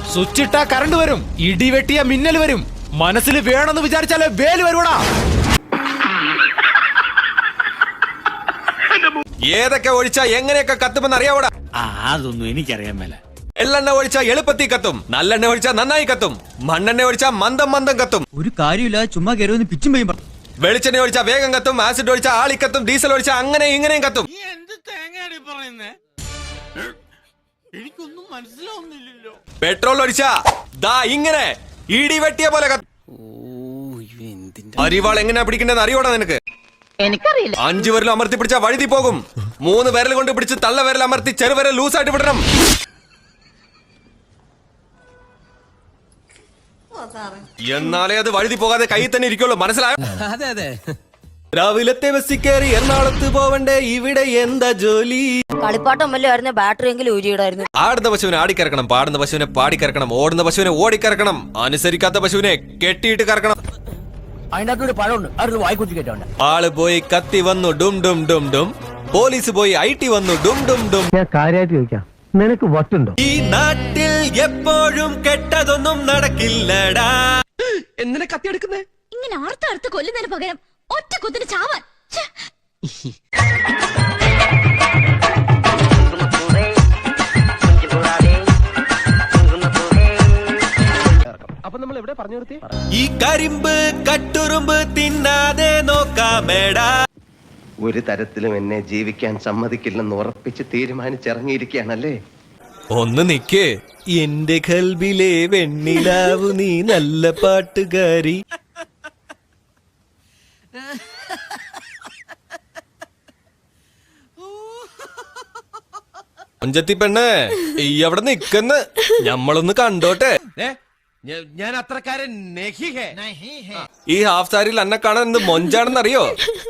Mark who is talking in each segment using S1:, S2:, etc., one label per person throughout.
S1: Switch ഇട്ടാ current വരും, ഇടി വെട്ടിയ മിന്നൽ വരും. മനസ്സിൽ വേണമെന്ന് വിചാരിച്ചാലേ വേല് വരുവടാ.
S2: ഏതൊക്കെ ഒഴിച്ചാ എങ്ങനെയൊക്കെ കത്തുമെന്ന് അറിയാവൂടാ?
S3: അതൊന്നും എനിക്കറിയാൻ മേല.
S2: എള്ളെണ്ണ ഒഴിച്ചാ എളുപ്പത്തി കത്തും, നല്ലെണ്ണ ഒഴിച്ചാ നന്നായി കത്തും, മണ്ണെണ്ണ ഒഴിച്ചാ മന്ദം മന്ദം കത്തും.
S3: ഒരു കാര്യമില്ല, ചുമ്മാ കയറി പിച്ചും പെയ്യും.
S2: വെളിച്ചെണ്ണ ഒഴിച്ചാ വേഗം കത്തും, ആസിഡ് ഒഴിച്ചാ ആളിക്കത്തും, ഡീസൽ ഒഴിച്ചാ അങ്ങനെ ഇങ്ങനെയും കത്തും.
S3: എനിക്കൊന്നും മനസ്സിലാവുന്നില്ലല്ലോ.
S2: പെട്രോൾ ഒഴിച്ചാ ദാ ഇങ്ങനെ ഇടി വെട്ടിയ പോലെ കത്തും. അരിവാൾ എങ്ങനെയാ പിടിക്കേണ്ടത് അറിയോടാ നിനക്ക്?
S4: എനിക്കറിയില്ല.
S2: 5 വിരൽ അമർത്തി പിടിച്ചാ വഴുതി പോകും. 3 വിരൽ കൊണ്ട് പിടിച്ച് തള്ള വിരൽ അമർത്തി ചെറുവിരൽ ലൂസായിട്ട് വിടണം. എന്നാലേ അത് വഴുതി പോകാതെ കൈ തന്നെ ഇരിക്കുള്ളൂ, മനസ്സിലായോ?
S3: അതെ അതെ.
S2: രാവിലത്തെ ബസ്സിൽ കയറി എറണാകുളത്ത് പോവണ്ടേ, ഇവിടെ എന്താ ജോലി?
S4: കളിപ്പാട്ടം വല്ലതായിരുന്നു, ബാറ്ററി എങ്കിലും ഊരിയിടായിരുന്നു.
S2: ആടുന്ന പശുവിനെ ആടിക്കറക്കണം, പാടുന്ന പശുവിനെ പാടിക്കറക്കണം, ഓടുന്ന പശുവിനെ ഓടിക്കറക്കണം, അനുസരിക്കാത്ത പശുവിനെ കെട്ടിയിട്ട് കറക്കണം.
S3: അതിനകത്തൊരു പഴമുണ്ട്, അതൊരു വായിക്കുത്തി കേട്ടോണ്ട്.
S2: ആള് പോയി കത്തി വന്നു ഡും ഡും ഡും ഡും, പോലീസ് പോയി IT വന്നു ഡും ഡും ഡും.
S5: ഞാൻ കാര്യമായിട്ട് ചോദിക്കാം, നിനക്ക് വട്ടുണ്ടോ?
S2: ഈ നാട്ടിൽ എപ്പോഴും കെട്ടതൊന്നും നടക്കില്ലടാ.
S1: എന്തിനാ കത്തി എടുക്കുന്നേ?
S4: ഇങ്ങനെ ആർത്തടുത്ത് കൊല്ലുന്നതിന് പകരം ഒറ്റ കുത്തിന് ചാവാൻ.
S5: അപ്പൊ നമ്മൾ എവിടെ പറഞ്ഞു നിർത്തി?
S2: ഈ കരിമ്പ് കട്ടുറുമ്പ് തിന്നാതെ നോക്കാമേടാ.
S6: ഒരു തരത്തിലും എന്നെ ജീവിക്കാൻ സമ്മതിക്കില്ലെന്ന് ഉറപ്പിച്ച് തീരുമാനിച്ചിറങ്ങിയിരിക്കുകയാണല്ലേ.
S2: ഒന്ന് നിക്ക്, എന്റെ കൽബിലെ വെണ്ണിലാവു നീ നല്ല പാട്ടുകാരി. അഞ്ചത്തി പെണ്ണ് ഈ അവിടെ നിക്കന്ന് ഞമ്മളൊന്ന് കണ്ടോട്ടെ.
S3: ഞാൻ അത്രക്കാരൻ.
S2: ഈ ഹാഫ് സാരിയിൽ അന്നെ കാണാൻ എന്ത് മൊഞ്ചാണെന്നറിയോ?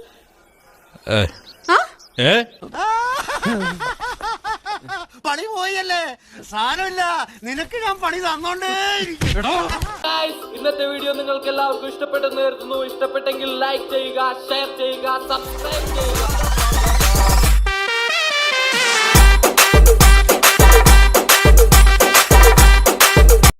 S3: പണി പോയല്ലേ, സാരമില്ല, നിനക്ക് ഞാൻ പണി തന്നോണ്ടേ.
S7: ഇന്നത്തെ വീഡിയോ നിങ്ങൾക്ക് എല്ലാവർക്കും ഇഷ്ടപ്പെട്ടെന്ന് കരുതുന്നു. ഇഷ്ടപ്പെട്ടെങ്കിൽ ലൈക്ക് ചെയ്യുക, ഷെയർ ചെയ്യുക, സബ്സ്ക്രൈബ് ചെയ്യുക.